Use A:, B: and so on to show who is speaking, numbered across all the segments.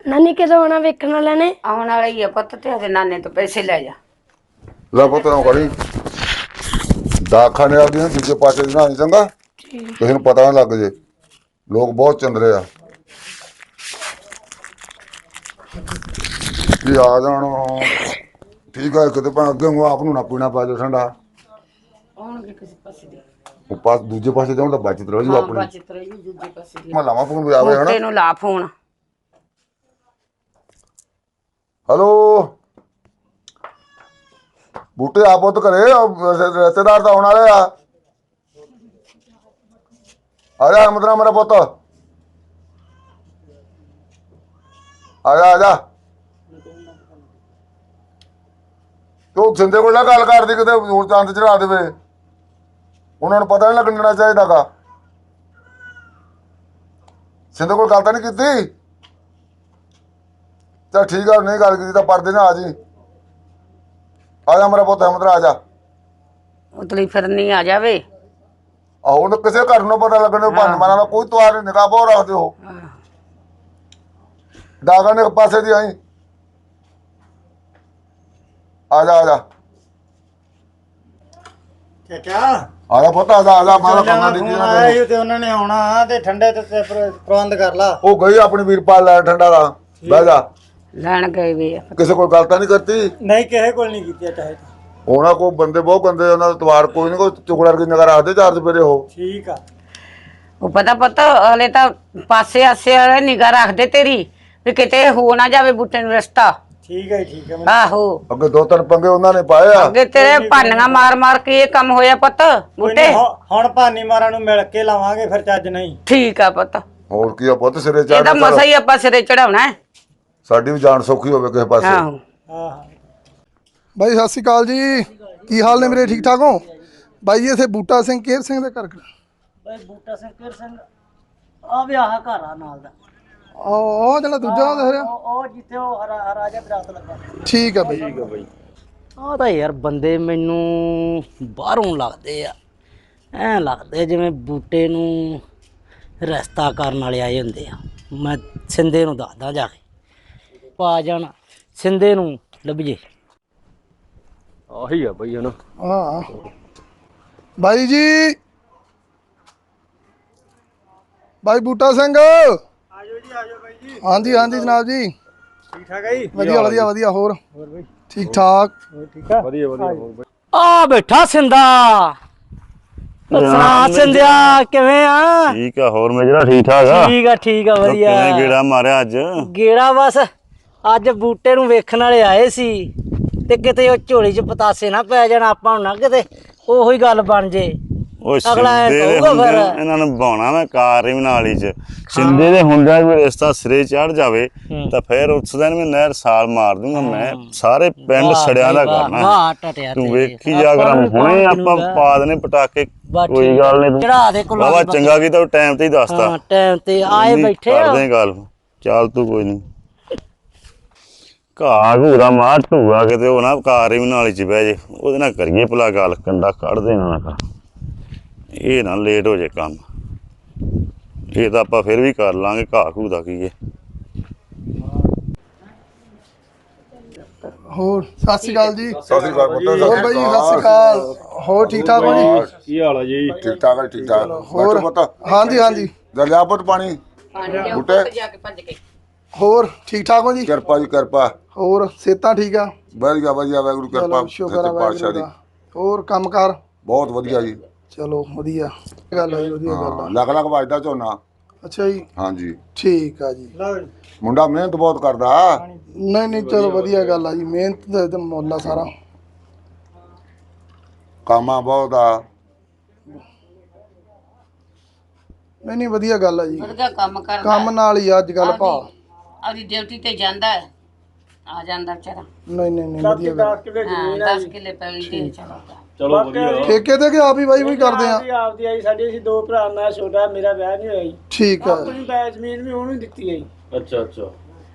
A: ਨਾਨੀ ਕਦੋਂ ਆਉਣਾ ਵੇਖਣ ਵਾਲਿਆਂ ਨੇ?
B: ਆਉਣ ਵਾਲਾ ਹੀ ਆ ਪੁੱਤ, ਤੇ ਉਹਦੇ ਨਾਨੇ ਤੋਂ ਪੈਸੇ ਲੈ ਜਾ।
C: ਲੈ ਪੁੱਤ ਨਾ ਕਰੀ ਦਾਖਾਨੇ ਆਪਦੀਆਂ ਦੂਜੇ ਪਾਸੇ ਦੀ ਨਾ ਚੰਗਾ, ਕਿਸੇ ਨੂੰ ਪਤਾ ਨਾ ਲੱਗ ਜੇ। ਲੋਕ ਬਹੁਤ ਚੰਦਰੇ ਆ ਕੀ ਆ ਜਾਣ। ਠੀਕ ਆ, ਕਿਤੇ ਭਾਵੇਂ ਅੱਗੇ ਆਪ ਨੂੰ ਨਾ ਪੀਣਾ ਪਾ ਜਾ ਠੰਡਾ।
B: ਆਉਣਗੇ ਕਿਸੇ ਪਾਸੇ ਦੀ,
C: ਉਹ ਪਾਸ ਦੂਜੇ ਪਾਸੇ ਜਾਉਂ ਤਾਂ ਬਚਤ ਰਹੀ ਆਪਣੀ।
B: ਬਚਤ ਰਹੀ ਦੂਜੇ ਪਾਸੇ ਦੀ।
C: ਮੈਂ ਲਾਵਾਂ ਫੋਨ ਵਜਾਵੇ ਹਨਾ।
B: ਤੈਨੂੰ ਲਾ ਫੋਨ।
C: ਹੈਲੋ ਬੂਟੇ ਆ ਪੁੱਤ ਘਰੇ ਰਿਸ਼ਤੇਦਾਰ ਤਾਂ ਆਉਣ ਵਾਲੇ ਆ ਜਾ ਅਮਦਰਾ ਮੇਰਾ ਪੁੱਤ ਆ ਜਾ ਤੂੰ ਸਿੰਦੇ ਕੋਲ ਨਾ ਗੱਲ ਕਰਦੀ ਕਿਤੇ ਹੋਰ ਚੰਦ ਚੜਾ ਦੇਵੇ, ਉਹਨਾਂ ਨੂੰ ਪਤਾ ਨਹੀਂ ਲੱਗਣਾ ਚਾਹੀਦਾ ਗਾ। ਸਿੰਦੇ ਕੋਲ ਗੱਲ ਤਾਂ ਨਹੀਂ ਕੀਤੀ? ਚੱਲ ਠੀਕ ਆ, ਨਹੀਂ ਗੱਲ ਕੀਤੀ ਤਾਂ ਪਰਦੇ ਨਾ ਆ ਜੀ। ਆ ਜਾ ਮੇਰਾ ਪੁੱਤ ਅਮਦਰਾ ਆ ਜਾ।
B: ਉਤਲੀ ਫਿਰਨੀ ਆ ਜਾਵੇ।
C: ਆਹੋ ਉਹਨੂੰ ਕਿਸੇ ਘਰ ਨੂੰ ਪਤਾ ਲੱਗਣੇ ਭੰਨ ਮਾਰਾਂ ਦਾ ਕੋਈ ਤੁਹਾਰ ਨਹੀਂ, ਨਿਗਾਹ ਬਹੁਤ ਰੱਖਦੇ ਹੋ। ਡਾਗਾ ਨੇ ਇੱਕ ਪਾਸੇ ਦੀ ਆਈ। ਆ ਜਾ
D: ਚਾਚਾ
C: ਆ ਜਾ ਪੁੱਤ ਆ ਜਾ ਮਾਰਾ ਕੰਨਾਂ ਦੀ
D: ਆਇਆ ਸੀ ਤੇ ਉਹਨਾਂ ਨੇ ਆਉਣਾ ਤੇ ਠੰਡੇ ਤੇ ਪ੍ਰਬੰਧ ਕਰ ਲਾ।
C: ਉਹ ਗਈ ਆਪਣੀ ਵੀਰਪਾਲ ਲੈ ਠੰਡਾ ਦਾ। ਬਹਿ ਜਾ।
B: ਲੈਣ ਗਏ ਵੇ।
C: ਕਿਸੇ ਕੋਲ ਗੱਲ ਤਾਂ ਨਹੀਂ ਕਰਤੀ?
D: ਨਹੀਂ ਕਿਸੇ ਕੋਲ ਨਹੀਂ ਕੀਤੀ ਚਾਹੇ।
C: ਉਹਨਾਂ ਕੋਲ ਬੰਦੇ ਬਹੁਤ ਗੰਦੇ, ਉਹਨਾਂ ਦਾ ਤਵਾਰ ਕੋਈ ਨਹੀਂ, ਕੋਈ ਚੁਗੜਾ ਕੀ ਨਿਗਾਹ ਰੱਖਦੇ ਚਾਰ ਚਪੇਰੇ ਉਹ।
D: ਠੀਕ ਆ।
B: ਉਹ ਪਤਾ ਪੁੱਤ ਹਲੇ ਤਾਂ ਪਾਸੇ ਆਸੇ ਵਾਲੇ ਨਿਗਾਹ ਰੱਖਦੇ ਤੇਰੀ, ਵੀ ਕਿਤੇ ਹੋ ਨਾ ਜਾਵੇ ਬੂਟੇ ਨੂੰ ਰਸਤਾ।
D: ਠੀਕ ਹੈ ਠੀਕ ਹੈ।
B: ਆਹੋ
C: ਅੱਗੇ ਦੋ ਤਿੰਨ ਪੰਗੇ ਉਹਨਾਂ ਨੇ ਪਾਏ ਆ।
B: ਅੱਗੇ ਤੇਰੇ ਭਾਨੀਆਂ ਮਾਰ ਕੇ ਇਹ ਕੰਮ ਹੋਇਆ ਪੁੱਤ ਬੂਟੇ।
D: ਹੁਣ ਭਾਨੀ ਮਾਰਾਂ ਨੂੰ ਮਿਲ ਕੇ ਲਾਵਾਂਗੇ ਫਿਰ ਚੱਜ ਨਹੀਂ।
B: ਠੀਕ ਆ ਪੁੱਤ,
C: ਹੋਰ ਕੀ ਆ ਪੁੱਤ ਸਿਰੇ
B: ਇਹਦਾ
C: ਚੜ੍ਹ
B: ਮਸਾ ਹੀ ਆਪਾਂ ਸਿਰੇ ਚੜਾਉਣਾ।
C: ਸਾਡੀ ਵੀ ਜਾਨ ਸੌਖੀ ਹੋਵੇ ਕਿਸੇ ਪਾਸੇ।
B: ਆਹੋ
D: ਹਾਂ
E: ਬਾਈ ਸਤਿ ਸ਼੍ਰੀ ਅਕਾਲ ਜੀ, ਕੀ ਹਾਲ ਨੇ ਮੇਰੇ? ਠੀਕ ਠਾਕ ਹੋ ਬਾਈ ਜੀ? ਇੱਥੇ ਬੂਟਾ ਸਿੰਘ ਕੇਰ ਸਿੰਘ ਦੇ ਘਰ
D: ਬਾਈ ਬੂਟਾ ਸਿੰਘ ਕਿਰ ਸਿੰਘ ਆ ਵਿਆਹ ਘਰ ਆ ਨਾਲ ਦਾ।
E: ਉਹ ਜਿਹੜਾ ਦੂਜਾ ਦੇਖ ਰਿਹਾ,
D: ਉਹ ਜਿੱਥੇ ਉਹ ਹਰਾ ਜਿਹਾ ਦਰਖਤ ਲੱਗਾ।
E: ਠੀਕ ਆ ਬਾਈ।
D: ਆ ਤਾਂ ਯਾਰ ਬੰਦੇ ਮੈਨੂੰ ਬਾਹਰੋਂ ਲੱਗਦੇ ਆ, ਐਂ ਲੱਗਦੇ ਜਿਵੇਂ ਬੂਟੇ ਨੂੰ ਰਸਤਾ ਕਰਨ ਵਾਲੇ ਆਏ ਹੁੰਦੇ ਆ। ਮੈਂ ਸਿੰਦੇ ਨੂੰ ਦੱਸਦਾ ਜਾ ਕੇ, ਪਾ ਜਾਣਾ ਸਿੰਦੇ ਨੂੰ ਲੱਭੀਏ।
F: ਆਹੀ ਆ ਬਈ ਹਨਾ।
E: ਹਾਂ ਬਾਈ ਜੀ, ਬਾਈ ਬੂਟਾ ਸਿੰਘ।
D: ਆਜੋ ਜੀ ਆਜੋ ਬਾਈ ਜੀ।
E: ਹਾਂਜੀ ਜਨਾਬ ਜੀ,
D: ਠੀਕ ਠਾਕ ਹੈ ਜੀ?
E: ਵਧੀਆ। ਹੋਰ
D: ਬਾਈ
E: ਠੀਕ ਠਾਕ?
D: ਠੀਕ ਆ।
F: ਵਧੀਆ ਹੋਰ ਬਈ।
D: ਆ ਬੈਠਾ ਸਿੰਦਾ। ਸੁਣਾ ਸਿੰਦਿਆ, ਕਿਵੇਂ ਆ?
G: ਠੀਕ ਆ, ਹੋਰ ਮੇਜਰਾ ਠੀਕ ਠਾਕ ਆ?
D: ਠੀਕ ਆ ਵਧੀਆ।
G: ਕਿਵੇਂ ਗੇੜਾ ਮਾਰਿਆ ਅੱਜ?
D: ਗੇੜਾ ਬਸ ਅੱਜ ਬੂਟੇ ਨੂੰ ਵੇਖਣ ਵਾਲੇ ਆਏ ਸੀ ਤੇ ਕਿਤੇ ਉਹ ਝੋਲੀ 'ਚ ਪਤਾਸੇ ਨਾ ਪੈ ਜਾਣ, ਆਪਾਂ ਨੂੰ ਨਾ ਕਿਤੇ ਉਹੀ ਗੱਲ ਬਣ ਜੇ।
G: ਉਹ
D: ਅਗਲਾ ਐਂ
G: ਸਿੰਦੇ ਦੇ
D: ਕਹੂਗਾ
G: ਹੁੰਦੇ
D: ਫਿਰ।
G: ਇਹਨਾਂ ਨੂੰ ਬਾਉਣਾ ਮੈਂ ਕਾਰ ਹੀ ਨਾਲੀ ਚ। ਸਿੰਦੇ ਦੇ ਹੁੰਦਿਆਂ ਵੀ ਰਿਸ਼ਤਾ ਸਿਰੇ ਚੜ ਜਾਵੇ ਤਾਂ ਫਿਰ ਉਸ ਦਿਨ ਮੈਂ ਨਹਿਰ ਸਾਲ ਮਾਰ ਦੂੰਗਾ। ਮੈਂ ਸਾਰੇ ਪਿੰਡ ਸੜਿਆਂ ਦਾ ਕਰਨਾ।
D: ਵਾਹ ਟਟਿਆ
G: ਤੂੰ ਵੇਖੀ ਜਾ ਕਰ, ਹੁਣੇ ਆਪਾਂ ਪਾ ਦਨੇ ਪਟਾਕੇ। ਕੋਈ ਗੱਲ ਨਹੀਂ,
D: ਚੜਾ ਦੇ ਕੋਲ
G: ਬਾਬਾ ਚੰਗਾ ਕੀਤਾ ਟਾਈਮ ਤੇ ਹੀ ਦੱਸਦਾ।
D: ਹਾਂ ਟਾਈਮ ਤੇ ਆਏ ਬੈਠੇ ਆ।
G: ਕਰਦੇ ਗੱਲ, ਚੱਲ ਤੂੰ ਕੋਈ ਨਹੀਂ। ਘਾਹ ਘੂਰਾ ਮਾਰ ਢੂਆ ਕਿਤੇ ਉਹ ਨਾ ਕਾਰ ਹੀ ਨਾਲੀ ਚ ਬਹਿ ਜੇ, ਉਹਦੇ ਨਾਲ ਕਰੀਏ ਭਲਾ ਗੱਲ, ਕੰਡਾ ਕੱਢ ਦੇਣਾ ਨਾ ਕਰ। ਇਹ ਨਾ ਲੇਟ ਹੋ ਜੇ ਕੰਮ, ਇਹ ਤਾਂ ਆਪਾਂ ਫਿਰ ਵੀ ਕਰ ਲਾਂਗੇ। ਘਾਹ ਘੂ ਦਾ ਕੀ ਹੈ।
E: ਹੋਰ ਸਤਿ ਸ਼੍ਰੀ ਅਕਾਲ ਜੀ।
C: ਸਤਿ ਸ਼੍ਰੀ ਅਕਾਲ ਪੁੱਤ।
E: ਹੋਰ ਬਾਈ ਜੀ ਸਤਿ ਸ਼੍ਰੀ ਅਕਾਲ, ਹੋਰ ਠੀਕ ਠਾਕ ਹੋ ਜੀ?
F: ਕੀ ਹਾਲ ਆ ਜੀ?
C: ਠੀਕ ਠਾਕ ਹੈ, ਠੀਕ ਠਾਕ।
E: ਹੋਰ
C: ਪੁੱਤ
E: ਹਾਂਜੀ
C: ਲਿਆ ਪੁੱਤ ਪਾਣੀ। ਬੂਟੇ
B: ਜਾ ਕੇ ਭੱਜ ਕੇ।
E: ਹੋਰ ਠੀਕ ਠਾਕ ਹੋ ਜੀ?
C: ਕਿਰਪਾ ਜੀ ਕਿਰਪਾ।
E: ਹੋਰ ਸਿਹਤਾਂ ਠੀਕ ਆ?
C: ਵਧੀਆ ਵਾਹਿਗੁਰੂ ਕਿਰਪਾ
E: ਚਲੋ ਸ਼ੁਕਰ ਆ
C: ਸੱਚੇ ਪਾਤਸ਼ਾਹ
E: ਵਾਹਿਗੁਰੂ
C: ਦੀ।
E: ਦਾ। ਹੋਰ ਕੰਮ ਕਾਰ?
C: ਬਹੁਤ ਵਧੀਆ ਜੀ।
E: ਚਲੋ ਵਧੀਆ ਗੱਲ ਹੈ, ਵਧੀਆ ਗੱਲ ਆ।
C: ਲੱਖ ਲੱਖ ਵੱਜਦਾ ਝੋਨਾ।
E: ਅੱਛਾ ਜੀ,
C: ਹਾਂਜੀ
E: ਠੀਕ ਆ ਜੀ।
C: ਮੁੰਡਾ ਮਿਹਨਤ ਬਹੁਤ ਕਰਦਾ।
E: ਨਹੀਂ ਚਲੋ ਵਧੀਆ ਗੱਲ ਆ ਜੀ, ਮਿਹਨਤ ਦਾ ਤਾਂ ਮੁੱਲ ਆ ਸਾਰਾ।
C: ਕਾਮਾ ਬਹੁਤ ਆ।
E: ਨਹੀਂ ਵਧੀਆ ਗੱਲ ਆ ਜੀ,
B: ਵਧੀਆ ਕੰਮ ਕਰਦਾ।
E: ਕੰਮ ਨਾਲ ਹੀ ਅੱਜ ਕੱਲ ਭਾ।
B: ਆਪਦੀ ਡਿਊਟੀ ਤੇ ਜਾਂਦਾ ਹੈ, ਆ ਜਾਂਦਾ ਵਿਚਾਰਾ।
E: ਨਹੀਂ ਵਧੀਆ ਗੱਲ।
B: 10 ਕਿੱਲੇ ਪੈਲੀ ਦੇ ਚੜਾਉਂਦਾ।
F: ਚਲੋ ਵਧੀਆ।
E: ਠੇਕੇ ਤੇ ਕਿ ਆਪ ਹੀ ਬਾਈ ਵੀ ਕਰਦੇ ਆ?
D: ਆਪਦੀ ਆਈ ਸਾਡੇ ਅਸੀਂ ਦੋ ਭਰਾ, ਮੈਂ ਛੋਟਾ, ਮੇਰਾ ਵਿਆਹ ਨਹੀਂ ਹੋਇਆ ਜੀ।
E: ਠੀਕ ਆ,
D: ਆਪਣੀ ਬੈ ਜ਼ਮੀਨ ਵੀ ਉਹਨੂੰ ਦਿੱਤੀ ਹੈ ਜੀ।
F: ਅੱਛਾ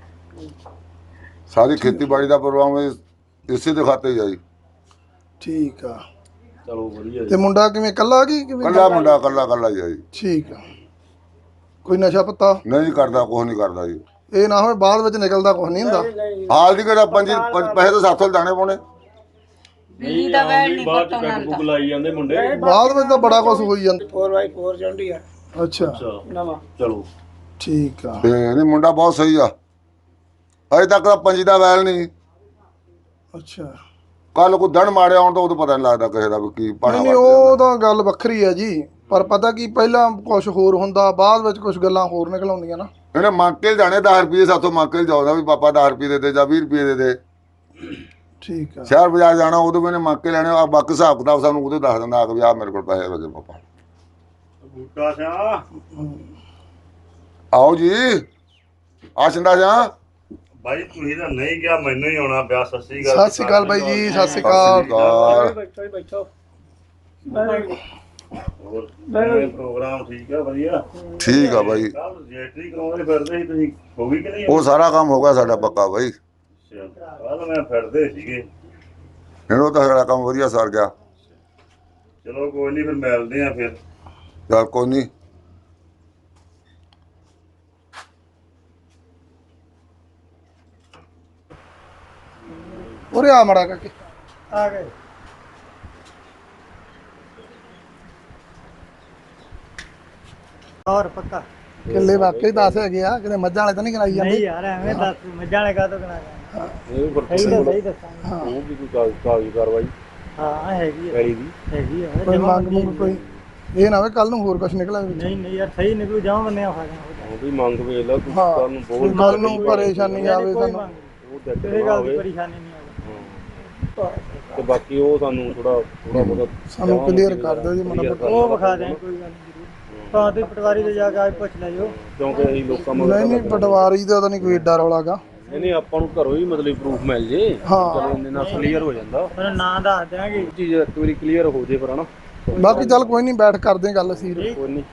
C: ਸਾਰੀ ਖੇਤੀਬਾੜੀ ਦਾ ਪ੍ਰੋਗਰਾਮ ਇਸੇ ਦੇ ਖਾਤੇ ਹੀ ਆ ਜੀ।
E: ਠੀਕ ਆ।
F: ਚਲੋ ਵਧੀਆ।
E: ਤੇ ਮੁੰਡਾ ਕਿਵੇਂ ਕੱਲਾ ਕੀ ਕਿਵੇਂ?
C: ਕੱਲਾ ਮੁੰਡਾ ਕੱਲਾ ਹੀ ਆ ਜੀ।
E: ਠੀਕ ਆ। ਕੋਈ ਨਸ਼ਾ ਪੱਤਾ?
C: ਨਹੀਂ ਕਰਦਾ, ਕੁਛ ਨਹੀਂ ਕਰਦਾ ਜੀ।
E: ਇਹ ਨਾ ਹੋਵੇ ਬਾਅਦ ਵਿੱਚ ਨਿਕਲਦਾ ਕੁਝ ਨਹੀਂ ਹੁੰਦਾ।
C: ਹਾਲ ਦੀ ਕਿਹੜਾ ਪੈਸੇ ਤਾਂ ਸਾਥੋਂ ਦਾਣੇ ਪਾਉਣੇ।
B: ਬਿਜਲੀ ਦਾ ਵੈਲ ਨਹੀਂ
F: ਬਾਅਦ
B: ਪਤਾ
F: ਚ
B: ਉਹਨਾਂ
F: ਪੈਗ
B: ਦਾ।
F: ਪੁਗ ਲਾਈ ਜਾਂਦੇ ਮੁੰਡੇ।
E: ਬਾਅਦ ਵਿੱਚ ਤਾਂ ਬੜਾ ਕੁਝ ਹੋਈ ਜਾਂਦਾ।
H: 4x4 ਜਾਂਦੀ ਆ
E: ਅੱਛਾ
F: ਅੱਛਾ
H: ਨਵਾਂ।
F: ਚਲੋ
E: ਠੀਕ ਆ।
C: ਤੇ ਨਹੀਂ ਮੁੰਡਾ ਬਹੁਤ ਸਹੀ ਆ, ਅਜੇ ਤੱਕ ਤਾਂ ਪੰਜੀ ਦਾ ਵੈਲ ਨਹੀਂ।
E: ਅੱਛਾ
C: ਕੱਲ ਕੋਈ ਦਿਨ ਮਾੜਿਆ ਆਉਣ ਤਾਂ ਉਦੋਂ ਪਤਾ ਨਹੀਂ ਲੱਗਦਾ ਕਿਸੇ ਦਾ ਵੀ ਕੀ ਪਾਣਾ
E: ਨਹੀਂ ਉਹ ਤਾਂ ਗੱਲ ਵੱਖਰੀ ਹੈ ਜੀ, ਪਰ ਪਤਾ ਕੀ ਪਹਿਲਾਂ ਕੁਝ ਹੋਰ ਹੁੰਦਾ, ਬਾਅਦ ਵਿੱਚ ਕੁਝ ਗੱਲਾਂ ਹੋਰ ਨਿਕਲ ਆਉਂਦੀਆਂ ਨਾ।
C: ਇਹਨੇ ਮੰਗ ਕੇ ਜਾਣੇ 10 ਰੁਪਏ ਸਾਥੋਂ ਮੰਗ ਕੇ ਜਾਉਂਦਾ ਵੀ ਪਾਪਾ 10 ਰੁਪਏ ਦੇ ਦੇ ਜਾਂ 20 ਰੁਪਏ ਦੇ ਦੇ।
E: ਠੀਕ ਆ।
C: ਸ਼ਹਿਰ ਬਾਜ਼ਾਰ ਜਾਣਾ ਉਦੋਂ ਵੀ ਇਹਨੇ ਮੰਗ ਕੇ ਲੈਣੇ ਆ, ਬਾਕੀ ਹਿਸਾਬ ਕਿਤਾਬ ਸਾਨੂੰ ਉਹਦੇ ਦੱਸ ਦਿੰਦਾ ਆ ਕਿ ਵੀ ਆ ਮੇਰੇ ਕੋਲ ਪੈਸੇ ਲੱਗੇ ਪਾਪਾ।
F: ਬੂਟਾ ਸਿਆ
C: ਆਓ ਜੀ ਆ ਚੰਦਾ ਜਾ।
G: ਬਾਈ ਤੁਸੀਂ ਤਾਂ ਨਹੀਂ ਗਿਆ, ਮੈਨੂੰ ਹੀ ਆਉਣਾ ਪਿਆ। ਸਤਿ ਸ੍ਰੀ
E: ਸਤਿ ਸ਼੍ਰੀ ਅਕਾਲ ਬਾਈ ਜੀ, ਸਤਿ ਸ਼੍ਰੀ ਅਕਾਲ।
H: ਬੈਠੋ ਬੈਠੋ।
G: ਹੋਰ ਕਿਵੇਂ ਪ੍ਰੋਗਰਾਮ ਠੀਕ ਆ? ਵਧੀਆ
C: ਠੀਕ ਆ ਬਾਈ,
G: ਕੱਲ ਰਜਿਸਟਰੀ ਕਰਾਉਂਦੇ ਫਿਰਦੇ ਸੀ ਤੁਸੀਂ, ਹੋ ਗਈ ਕਿ ਨਹੀਂ?
C: ਉਹ ਸਾਰਾ ਕੰਮ ਹੋ ਗਿਆ ਸਾਡਾ ਪੱਕਾ ਬਾਈ।
G: ਕੱਲ ਮੈਂ ਫਿਰਦੇ ਸੀਗੇ।
C: ਇਹਨੂੰ ਤਾਂ ਸਾਡਾ ਕੰਮ ਵਧੀਆ ਸਰ ਗਿਆ।
G: ਚਲੋ ਕੋਈ ਨਹੀਂ, ਫਿਰ ਮਿਲਦੇ ਆ ਫਿਰ।
C: ਚੱਲ ਕੋਈ ਨਹੀਂ।
E: ਉਰੇ ਆ ਮੜਾ ਕਰਕੇ
H: ਆ ਗਏ। ਹੋਰ ਪੱਕਾ
E: ਕਿੱਲੇ ਵਾਕਈ 10 ਹੈਗੇ ਆ, ਕਿਤੇ ਮੱਝਾਂ ਵਾਲੇ ਤਾਂ ਨਹੀਂ ਕਰਾਈ ਜਾਂਦੇ।
H: ਯਾਰ ਐਵੇਂ ਦੱਸ ਮੱਝਾਂ ਵਾਲੇ ਕਾਹਤੋਂ ਕਰਾਂਗਾ। ਸਹੀ ਦੱਸਾਂਗਾ।
F: ਉਹ ਵੀ ਕੋਈ ਕਾਗਜ਼ੀ ਕਾਰਵਾਈ
H: ਹਾਂ ਹੈਗੀ ਆ
F: ਪੈਲੀ ਦੀ
H: ਹੈਗੀ ਆ।
E: ਕੋਈ ਮੰਗ ਮੁੰਗ ਕੋਈ ਇਹ ਨਾ ਹੋਵੇ ਕੱਲ ਨੂੰ ਹੋਰ ਕੁਝ ਨਿਕਲੇ ਵਿੱਚ।
H: ਨਹੀਂ ਨਹੀਂ ਯਾਰ ਸਹੀ ਨਿਕਲੂ ਜਾਵਾਂ ਬੰਨੇ ਆ ਫਾਗਾ।
F: ਉਹ ਵੀ ਮੰਗ ਵੇਖ ਲਾ ਤੂੰ
E: ਹਾਂ।
F: ਤੁਹਾਨੂੰ ਬੋਲ
E: ਕੱਲ ਨੂੰ ਪਰੇਸ਼ਾਨੀ ਆਵੇ ਸਾਨੂੰ।
F: ਉਹ ਦੇਖ
H: ਇਹ ਗੱਲ ਦੀ ਪਰੇਸ਼ਾਨੀ ਨਹੀਂ ਆਵੇ।
F: ਤੇ ਬਾਕੀ ਉਹ ਸਾਨੂੰ ਥੋੜਾ ਬਹੁਤ
E: ਸਾਨੂੰ ਕਲੀਅਰ ਕਰ ਦਿਓ ਜੀ ਮਾੜਾ ਮੋਟਾ।
H: ਉਹ ਵਿਖਾ ਦੇ ਕੋਈ ਗੱਲ ਨਹੀਂ ਜ਼ਰੂਰ। ਤਾਂ ਤੇ ਪਟਵਾਰੀ ਦੇ ਜਾ ਕੇ ਅੱਜ ਪੁੱਛ ਲੈ ਜੋ।
F: ਕਿਉਂਕਿ ਅਸੀਂ ਲੋਕਾਂ ਮਗਰ
E: ਨਹੀਂ ਨਹੀਂ ਪਟਵਾਰੀ ਦਾ ਤਾਂ ਨਹੀਂ ਕੋਈ ਏਡਾ ਰੌਲਾਗਾ।
F: ਨਹੀਂ ਆਪਾਂ ਨੂੰ ਘਰੋਂ ਹੀ ਮਤਲਬ ਪ੍ਰੂਫ ਮਿਲ ਜੇ,
E: ਹਾਂ।
F: ਚਲੋ ਇੰਨੇ ਨਾਲ ਕਲੀਅਰ ਹੋ ਜਾਂਦਾ।
H: ਉਹਨੂੰ ਨਾਂ ਦੱਸ ਦਿਆਂਗੇ।
F: ਚੀਜ਼ ਇੱਕ ਵਾਰੀ ਕਲੀਅਰ ਹੋ ਜੇ ਫਿਰ ਹਨਾ।
E: ਬਾਕੀ ਚੱਲ ਕੋਈ ਨਹੀਂ, ਬੈਠ ਕਰਦੇ ਹਾਂ ਗੱਲ ਅਸੀਂ।
F: ਕੋਈ ਨਹੀਂ।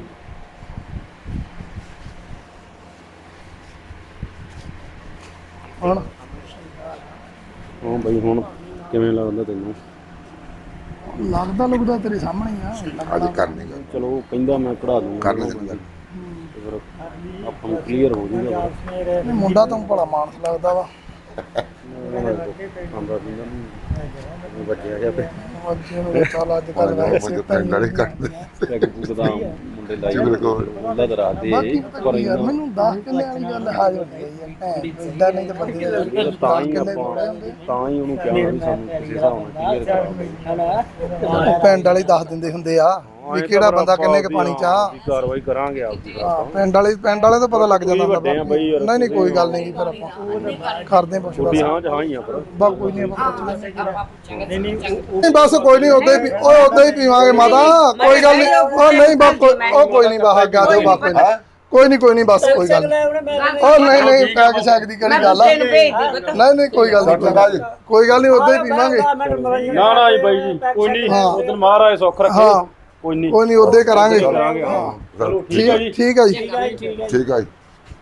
E: ਹੁਣ
F: ਹਾਂ ਬਈ ਹੁਣ ਕਿਵੇਂ ਲੱਗਦਾ ਤੈਨੂੰ?
E: ਲੱਗਦਾ ਲੁਗਦਾ ਤੇਰੇ ਸਾਹਮਣੇ ਹੀ ਆ।
C: ਅੱਜ ਕਰਨੀ ਗੱਲ
F: ਚਲੋ ਉਹ ਕਹਿੰਦਾ ਮੈਂ ਕਢਾ ਦੂੰਗਾ,
C: ਕਰਨੀ ਗੱਲ
F: ਤੇ ਫਿਰ ਆਪਾਂ ਨੂੰ ਕਲੀਅਰ ਹੋ ਜੂਗਾ।
E: ਇਹ ਮੁੰਡਾ ਤਾਂ ਭਲਾ ਮਾਨਸ ਲੱਗਦਾ ਵਾ।
F: ਆਂਦਾ ਸੀਗਾ ਨਹੀਂ ਵੱਜਿਆ ਜਾ ਪੇ
E: ਬੱਚੇ ਨੂੰ ਚੱਲ ਅੱਜ ਕੱਲ
C: ਮੁੰਡੇ ਪਿੰਡ ਵਾਲੇ ਕੱਢਦੇ
F: ਪੈਗ ਪੁਗ ਦਾ ਮੁੰਡੇ ਲਾਈ
C: ਜਿਗਰ ਕੋ
F: ਉਹਦਾ ਦਰਾ ਦੇ
E: ਬਾਕੀ ਪਤਾ ਕੀ ਯਾਰ ਮੈਨੂੰ 10 ਕਿੱਲੇ ਵਾਲੀ ਗੱਲ ਹਾਜ਼ਰ ਹੋਈ ਹੈ। ਇਦਾਂ ਨਹੀਂ ਤਾਂ ਬੰਦੇ ਦੇ
F: ਤਾਂ
E: 10
F: ਹੀ
E: ਕਿੱਲੇ
F: ਆਪਾਂ
E: ਥੋੜੇ ਹੁੰਦੇ।
F: ਤਾਂ ਹੀ ਉਹਨੂੰ ਕਿਹਾ ਵੀ ਸਾਨੂੰ ਕਿਸੇ ਹਿਸਾਬ ਨਾਲ ਕਲੀਅਰ ਕਰਾਓ।
E: ਪਿੰਡ ਵਾਲੇ ਦੱਸ ਦਿੰਦੇ ਹੁੰਦੇ ਆ ਵੀ ਕਿਹੜਾ ਬੰਦਾ ਕਿੰਨੇ ਕ ਪਾਣੀ ਚ ਆ।
F: ਕਾਰਵਾਈ ਕਰਾਂਗੇ ਆਪਦੀ ਫਿਰ
E: ਹਾਂ,
F: ਆਪਾਂ।
E: ਪਿੰਡ ਵਾਲੇ ਤਾਂ ਪਤਾ ਲੱਗ ਜਾਂਦਾ ਹੁੰਦਾ।
F: ਵੱਡੇ ਆ ਬਈ ਯਾਰ।
E: ਨਹੀਂ ਨਹੀਂ ਕੋਈ ਗੱਲ ਨਹੀਂ, ਫਿਰ ਆਪਾਂ ਕਰਦੇ ਹਾਂ ਪੁੱਛਦਾ।
F: ਵੀ ਹਾਂ ਚ ਹਾਂ ਹੀ ਆ ਪਰ
E: ਬਸ ਕੋਈ ਨਹੀਂ, ਆਪਾਂ ਪੁੱਛ ਲੈਂਦੇ। ਨਹੀਂ ਬਸ ਕੋਈ ਨਹੀਂ, ਉਦਾਂ ਹੀ ਉਦਾਂ ਹੀ ਪੀਵਾਂਗੇ ਮਾਤਾ, ਕੋਈ ਗੱਲ ਨਹੀਂ। ਉਹ ਨਹੀਂ ਬਸ ਕੋਈ ਨਹੀਂ, ਬਾਹਰ ਗਾ ਦਿਓ ਬਸ ਕੋਈ ਨਹੀਂ ਕੋਈ ਨਹੀਂ ਬਸ ਕੋਈ ਗੱਲ ਨਹੀਂ। ਉਹ ਨਹੀਂ ਨਹੀਂ ਪੈਕ ਸ਼ੈਕ ਦੀ ਕਿਹੜੀ ਗੱਲ ਆ। ਨਹੀਂ ਨਹੀਂ ਕੋਈ ਗੱਲ ਨਹੀਂ, ਕੋਈ ਗੱਲ ਨਹੀਂ, ਉਦਾਂ ਹੀ ਪੀਵਾਂਗੇ।
F: ਨਾ ਨਾ ਜੀ ਬਾਈ ਜੀ ਕੋਈ ਨਹੀਂ, ਉਦੋਂ ਮਹਾਰਾਜ ਸੁੱਖ ਰੱਖੇ।
E: ਹਾਂ
F: ਕੋਈ ਨਹੀਂ
E: ਕੋਈ ਨਹੀਂ, ਉਦਾਂ ਹੀ ਕਰਾਂਗੇ।
F: ਹਾਂ ਚਲੋ ਠੀਕ ਹੈ ਜੀ।
E: ਠੀਕ ਹੈ ਜੀ।
C: ਠੀਕ ਆ ਜੀ।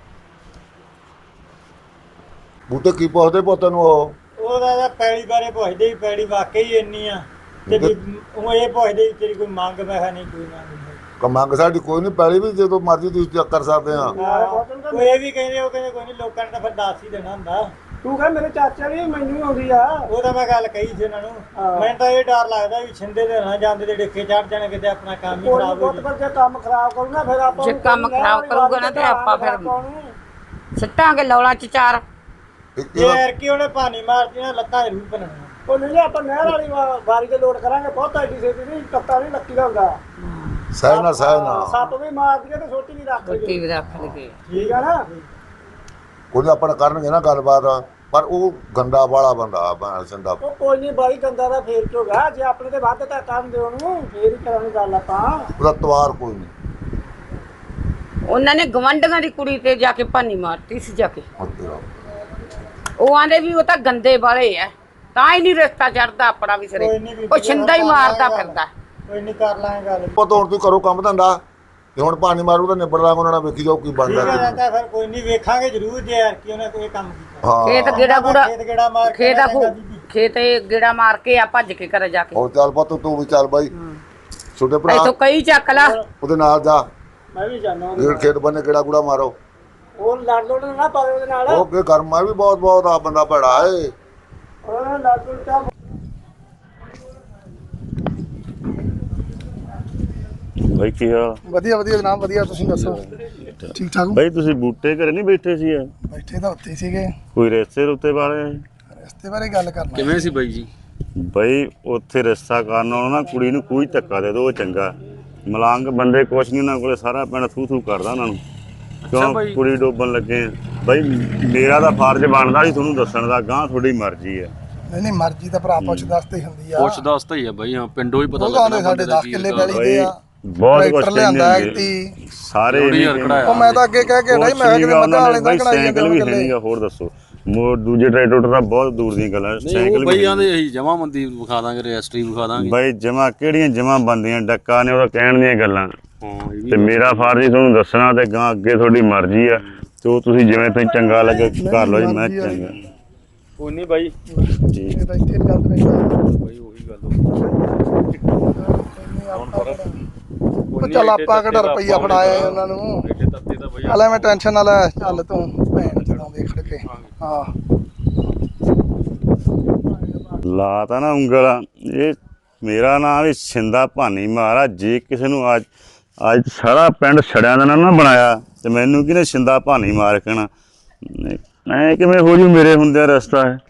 C: ਬੂਟੇ ਕੀ ਪੁੱਛਦੇ ਪੁੱਤ ਨੂੰ? ਉਹ
H: ਉਹਦਾ ਤਾਂ ਪੈੜੀ ਬਾਰੇ ਪੁੱਛਦੇ ਹੀ, ਪੈੜੀ ਵਾਕਈ ਇੰਨੀ ਆ ਤੇ ਵੀ ਉਹ ਇਹ ਪੁੱਛਦੇ ਵੀ ਤੇਰੀ ਕੋਈ ਮੰਗ ਮੈਂ ਕਿਹਾ ਨਹੀਂ ਕੋਈ ਮੰਗ ਨਹੀਂ।
C: ਮੰਗ ਸਾਡੀ ਕੋਈ ਨਹੀਂ, ਪੈਲੀ ਵੀ ਜਦੋਂ ਮਰਜ਼ੀ ਤੁਸੀਂ ਚੈੱਕ ਕਰ ਸਕਦੇ ਆ।
H: ਉਹ ਇਹ ਵੀ ਕਹਿੰਦੇ, ਉਹ ਕਹਿੰਦੇ ਕੋਈ ਨਹੀਂ, ਲੋਕਾਂ ਨੇ ਤਾਂ ਫਿਰ ਦੱਸ ਹੀ ਦੇਣਾ ਹੁੰਦਾ।
I: ਤੂੰ ਕਹ ਮੇਰੇ ਚਾਚਾ ਵੀ ਮੈਨੂੰ ਆਉਂਦੀ ਆ।
H: ਉਹ ਤਾਂ ਮੈਂ ਗੱਲ ਕਹੀ ਸੀ ਇਹਨਾਂ ਨੂੰ। ਮੈਨੂੰ ਤਾਂ ਇਹ ਡਰ ਲੱਗਦਾ ਵੀ ਛਿੰਦੇ ਦੇ ਨਾ ਜਾਂਦੇ ਤੇ ਡਿੱਕੇ ਚੜ ਜਾਣ, ਕਿਤੇ ਆਪਣਾ ਕੰਮ ਹੀ ਖਰਾਬ ਹੋ
I: ਬਹੁਤ ਜੇ ਕੰਮ ਖਰਾਬ ਕਰੂਗਾ ਫਿਰ ਆਪਾਂ
B: ਜੇ ਕੰਮ ਖਰਾਬ ਕਰੂਗਾ ਨਾ ਤੇ ਆਪਾਂ ਫਿਰ ਸਿੱਟਾਂਗੇ ਲੌਲਾ ਚ ਚਾਰ।
H: ਜੇ ਯਾਰ ਕੀ ਉਹਨੇ ਪਾਣੀ ਮਾਰਦੀ ਨਾ ਲੱਤਾਂ ਜ਼ਰੂਰ ਬਣਨੀਆਂ।
I: ਉਹ ਨਹੀਂ ਆਪਾਂ ਨਹਿਰ ਵਾਲੀ ਵਾਰੀ ਤੇ ਲੋਡ ਕਰਾਂਗੇ, ਬਹੁਤ ਐਡੀ ਛੇਤੀ ਨਹੀਂ, ਟੱਕਾ ਨਹੀਂ ਲੱਕੀ ਦਾ ਹੁੰਦਾ।
C: ਸਹਿ ਨਾ
I: ਸੱਪ ਵੀ ਮਾਰਦੀ ਤੇ ਛੋਟੀ ਵੀ ਰੱਖ ਲਈ।
B: ਟੀਵੀ ਰੱਖ ਲਈਏ।
I: ਠੀਕ ਆ ਨਾ।
C: ਕੋਈ ਆਪਣਾ ਕਰਨਗੇ ਨਾ ਗੱਲਬਾਤ, ਪਰ ਉਹ ਗੰਦਾ ਵਾਲਾ ਬੰਦਾ ਭੈਣ ਚੰਦਾ।
I: ਉਹ ਕੋਈ ਨਹੀਂ ਬਾਈ ਗੰਦਾ ਦਾ ਫੇਰ ਚੋਗਾ, ਜੇ ਆਪਣੇ ਤੇ ਵੱਧ ਤਾਂ ਕਰਨ ਦਿਓ ਉਹਨੂੰ, ਫੇਰ ਹੀ ਕਰਾਂਗੇ ਗੱਲ ਆਪਾਂ।
C: ਉਹਦਾ ਤਵਾਰ ਕੋਈ ਨਹੀਂ।
B: ਉਹਨਾਂ ਨੇ ਗਵੰਡੀਆਂ ਦੀ ਕੁੜੀ ਤੇ ਜਾ ਕੇ ਭਾਨੀ ਮਾਰਤੀ ਸੀ ਜਾ ਕੇ। ਉਹ ਆਂਦੇ ਵੀ ਉਹ ਤਾਂ ਗੰਦੇ ਵਾਲੇ ਆ, ਤਾਂ ਹੀ ਨਹੀਂ ਰਿਸ਼ਤਾ ਚੜਦਾ ਆਪਣਾ ਵੀ ਸਿਰੇ। ਉਹ ਛਿੰਦਾ ਹੀ ਮਾਰਦਾ ਫਿਰਦਾ।
H: ਕੋਈ ਨਹੀਂ ਕਰ ਲਾਂਗੇ ਗੱਲ।
C: ਪੁੱਤ ਹੁਣ ਤੂੰ ਕਰੋ ਕੰਮ ਧੰਦਾ, ਤੇ ਹੁਣ ਪਾਣੀ ਮਾਰੂ ਤਾਂ ਨਿਬੜ ਲਾਂਗੇ ਉਹਨਾਂ ਨਾਲ, ਵੇਖੀ ਜਾਓ ਕੀ ਬਣਦਾ।
H: ਠੀਕ ਹੈ ਤਾਂ ਫਿਰ ਕੋਈ ਨਹੀਂ, ਵੇਖਾਂਗੇ ਜ਼ਰੂਰ ਜੇ ਯਾਰ ਕੀ ਉਹਨੇ ਕੋਈ ਕੰਮ ਕੀਤਾ।
C: ਹਾਂ
B: ਖੇਤ ਗੇੜਾ ਗੂੜਾ,
H: ਖੇਤ ਗੇੜਾ ਮਾਰ ਕੇ
B: ਖੇਤ ਗੇੜਾ ਮਾਰ ਕੇ ਆ ਭੱਜ ਕੇ ਘਰੇ ਜਾ ਕੇ।
C: ਹੋਰ ਚੱਲ ਪੁੱਤ ਤੂੰ ਵੀ ਚੱਲ ਬਾਈ, ਛੋਟੇ ਭਰਾ
B: ਇੱਥੋਂ ਕਈ ਚੱਕ ਲਾ।
C: ਉਹਦੇ ਨਾਲ ਜਾ,
I: ਮੈਂ ਵੀ ਜਾਣਾ।
C: ਖੇਤ ਬੰਨੇ ਕਿਹੜਾ ਗੁੜਾ ਮਾਰੋ।
I: ਉਹ ਲੜ ਲੋੜ ਨਾ ਪਾਵੇ ਉਹਦੇ ਨਾਲ
C: ਉਹ ਅੱਗੇ ਗਰਮਾ ਵੀ ਬਹੁਤ ਆ ਬੰਦਾ ਭੜਾ ਏ।
I: ਉਹਨਾਂ ਨਾਲ ਲੜ ਲੋੜ ਤਾਂ
G: ਬਾਈ ਕੀ ਹਾਲ?
E: ਵਧੀਆ ਵਧੀਆ ਜਨਾਬ ਵਧੀਆ, ਤੁਸੀਂ ਦੱਸੋ ਠੀਕ ਠਾਕ ਹੋ?
G: ਬਾਈ ਤੁਸੀਂ ਬੂਟੇ ਘਰੇ ਨਹੀਂ ਬੈਠੇ ਸੀ ਯਾਰ?
E: ਬੈਠੇ ਤਾਂ ਉੱਥੇ ਹੀ ਸੀਗੇ,
G: ਕੋਈ ਰਿਸ਼ਤੇ ਰੁੱਤੇ ਵਾਲੇ?
E: ਰਸਤੇ ਬਾਰੇ ਗੱਲ ਕਰਨਾ।
F: ਕਿਵੇਂ ਸੀ ਬਾਈ ਜੀ?
G: ਬਈ ਉੱਥੇ ਰਿਸ਼ਤਾ ਕਰਨ ਨਾਲੋਂ ਨਾ ਕੁੜੀ ਨੂੰ ਕੋਈ ਧੱਕਾ ਦੇ ਦੋ, ਉਹ ਚੰਗਾ। ਮਲੰਗ ਬੰਦੇ ਕੁਛ ਨਹੀਂ, ਉਹਨਾਂ ਕੋਲੇ ਸਾਰਾ ਪਿੰਡ ਥੂ ਕਰਦਾ ਉਹਨਾਂ ਨੂੰ। ਕਿਉਂ ਕੁੜੀ ਡੋਬਣ ਲੱਗੇ ਆ? ਬਈ ਮੇਰਾ ਤਾਂ ਫਰਜ਼ ਬਣਦਾ ਸੀ ਤੁਹਾਨੂੰ ਦੱਸਣ ਦਾ, ਗਾਂ ਤੁਹਾਡੀ ਮਰਜ਼ੀ ਹੈ।
E: ਨਹੀਂ ਮਰਜ਼ੀ ਤਾਂ ਭਰਾ ਪੁੱਛ ਦੱਸ ਤੇ ਹੁੰਦੀ ਆ।
F: ਪੁੱਛ ਦੱਸ ਤਾਂ ਹੀ ਆ ਬਾਈ, ਹਾਂ ਪਿੰਡੋਂ ਹੀ ਪਤਾ
E: ਉਹ
F: ਲੱਗਦਾ
E: ਸਾਡੇ 10 ਕਿੱਲੇ ਪੈਲੀ ਦੇ ਆ,
G: ਬਹੁਤ ਕੁਛ
E: ਟਰੈਕਟਰ ਲਿਆਂਦਾ
G: ਕਹਿੰਦੇ
E: ਐਕਟੀ
G: ਸਾਰੇ
E: ਉਹ ਮੈਂ ਤਾਂ ਅੱਗੇ ਕਹਿ ਕੇ ਨਹੀਂ, ਮੈਂ ਕਿਹਾ ਮੱਝਾਂ ਵਾਲੇ ਦਾ ਕਢਾਈ
G: ਸਾਈਕਲ ਵੀ ਹੈ ਨੀਗਾ। ਹੋਰ ਦੱਸੋ, ਦੂਜੇ ਟਰੈਕਟਰ ਤਾਂ ਬਹੁਤ ਦੂਰ ਦੀਆਂ ਗੱਲਾਂ। ਸਾਈਕਲ
F: ਬਾਈ ਆਂਦੇ ਅਸੀਂ ਜਮਾ ਮੰਦੀ ਵਿਖਾ ਦਾਂਗੇ, ਰਜਿਸਟਰੀ ਵਿਖਾ ਦਾਂਗੇ।
G: ਬਾਈ ਜਮਾ ਕਿਹੜੀਆਂ ਜਮਾ ਬੰਦੀਆਂ, ਡੱਕਾ ਨੇ ਉਹਦਾ ਕਹਿਣ ਦੀਆਂ ਗੱਲਾਂ।
F: ਹਾਂ ਇਹ ਵੀ
G: ਤੇ ਮੇਰਾ ਫਰਜ਼ ਹੀ ਤੁਹਾਨੂੰ ਦੱਸਣਾ, ਤੇ ਗਾਂ ਅੱਗੇ ਤੁਹਾਡੀ ਮਰਜ਼ੀ ਆ, ਤੇ ਉਹ ਤੁਸੀਂ ਜਿਵੇਂ ਤੁਸੀਂ ਚੰਗਾ ਲੱਗੇ ਕਰ ਲਓ ਜੀ। ਮੈਂ ਚੰਗਾ
F: ਕੋਈ ਨਹੀਂ ਬਾਈ,
E: ਇਹ ਤਾਂ ਇੱਥੇ ਗੱਲ ਨਹੀਂ
F: ਬਾਈ ਉਹੀ ਗੱਲ
E: ਉਹ ਚੱਲ ਆਪਾਂ ਕਿਹੜਾ ਰੁਪਈਆ ਫੜਾਇਆ ਉਹਨਾਂ ਨੂੰ। ਚੱਲ ਐਵੇਂ ਟੈਨਸ਼ਨ ਨਾ ਲੈ, ਚੱਲ ਤੂੰ ਭੈਣ ਚੋਂ ਦੇਖ ਖੜ ਕੇ। ਹਾਂ
G: ਲਾ ਤਾਂ ਨਾ ਉਂਗਲ। ਇਹ ਮੇਰਾ ਨਾਮ ਵੀ ਛਿੰਦਾ ਭਾਨੀ ਮਾਰਾ। ਜੇ ਕਿਸੇ ਨੂੰ ਅੱਜ ਸਾਰਾ ਪਿੰਡ ਛੜਿਆਂ ਦਾ ਨਾ ਬਣਾਇਆ, ਤੇ ਮੈਨੂੰ ਕਿਹਨੇ ਛਿੰਦਾ ਭਾਨੀ ਮਾਰ ਕਹਿਣਾ? ਐ ਕਿਵੇਂ ਹੋ ਜੂ ਮੇਰੇ ਹੁੰਦਿਆਂ ਰਸਤਾ ਹੈ?